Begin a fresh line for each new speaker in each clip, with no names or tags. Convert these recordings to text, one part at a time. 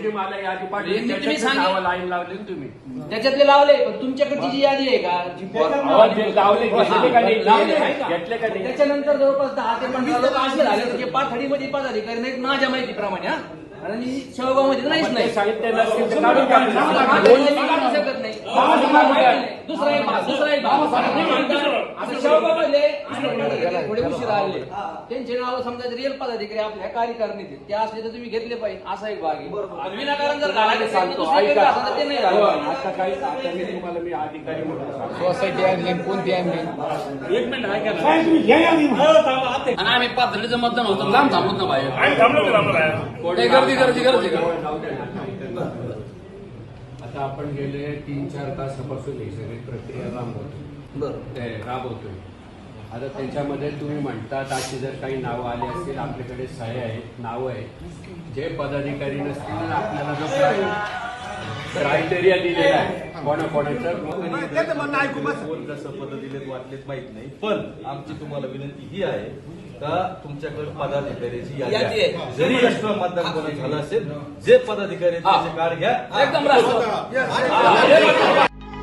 दिवशी मला यादी पाठवली,
तुम्ही
त्याच्यातले
सांगितलं.
नावं लाईन लावली ना तुम्ही.
त्याच्यातले लावले, पण तुमच्याकडची जी यादी आहे का जी
अहो, ते लावले घेतले का नाही?
लावले आहे का?
घेतले का नाही?
त्याच्यानंतर जवळपास 10 ते 15 लोक असे झाले जे पाथडीमध्ये पदाधिकारी नाहीत माझ्या माहितीप्रमाणे. हा आणि शेवगाव मध्ये नाहीच नाही.
साहित्य नसेल तर काढून टाकलं.
काढू शकत नाही. दुसरा एक भाग. आता शेवगावमध्ये थोडे उशीर आले, त्यांचे नाव समजा रिअल पदाधिकारी आपल्या कार्यकारिणीत ते असले तर तुम्ही घेतले पाहिजे, असा एक भाग आहे. विनाकारण जर घालायचं
सांगतो,
दुसरीकडे
ऐका.
असं तर ते नाही झालं.
आता काही आता मी तुम्हाला मी अधिकारी म्हणून सांगतो.
सोसायटी आणली कोणती आणली?
एक मिनिट ऐका ना.
आणि आम्ही पाथर्डीचं मतदान होतं, लांब थांबत ना बाहेर.
आम्ही थांबलो
नाही, गर्दी गर्दी गर्दी
आता आपण गेले 3-4 तासापासून ही सगळी प्रक्रिया राबवतोय. आता त्याच्यामध्ये तुम्ही म्हणतात अशी जर काही नावं आली असतील, आपल्याकडे सह्या आहेत, नावं आहेत. जे पदाधिकारी नसतील आपल्याला जो क्रायटेरिया दिलेला आहे कोणाकोणाचं
कोण कसं पद दिलेत वाटलेत माहित नाही, पण आमची तुम्हाला विनंती ही आहे का तुमच्याकडे पदाधिकाऱ्याची यादी आहे. जरी एक्स्ट्रा मतदान कोणी झालं असेल, जे पदाधिकारी त्याचे कार्ड घ्या.
एकदम रास्त.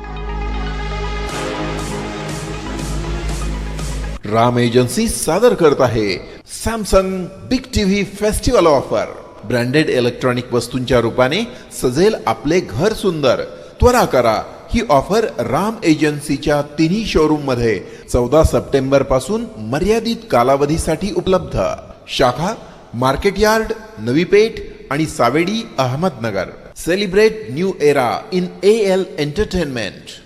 राम एजन्सी सादर करत आहे Samsung big TV festival offer. Branded electronic वस्तूंच्या रूपाने सजेल आपले घर सुंदर. त्वरा करा, ही ऑफर राम एजन्सीच्या तिन्ही शोरूम मध्ये 14 सप्टेंबर पासून मर्यादित कालावधीसाठी उपलब्ध. शाखा मार्केट यार्ड, नवी पेठ आणि Savedi, Ahmednagar. Celebrate new era in AL entertainment.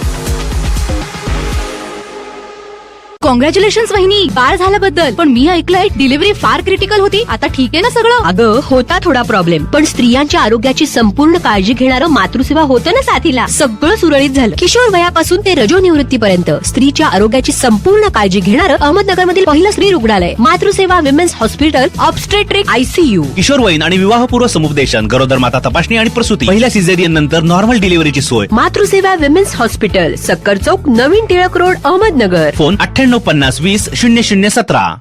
Congratulations वहिनी, बाळ झाल्याबद्दल. पण मी ऐकलंय डिलिव्हरी फार क्रिटिकल होती. आता ठीक आहे ना सगळं?
अगं होता थोडा प्रॉब्लेम, पण स्त्रियांच्या आरोग्याची संपूर्ण काळजी घेणारं मातृसेवा होतं ना साथीला. सगळं सुरळीत झालं. किशोर वयापासून ते रजोनिवृत्तीपर्यंत स्त्रीच्या आरोग्याची संपूर्ण काळजी घेणारं अहमदनगर मधील पहिलं स्त्री रुग्णालय Matruseva women's hospital, obstetric ICU.
किशोरवयीन आणि विवाहपूर्व समुपदेशन, गरोदर माता तपासणी आणि प्रसूती, पहिल्या सिझेरियन नंतर नॉर्मल डिलिव्हरीची सोय.
मातृसेवा विमेन्स हॉस्पिटल, सक्कर चौक, नवीन टिळक रोड, अहमदनगर.
फोन 9850 20 0017.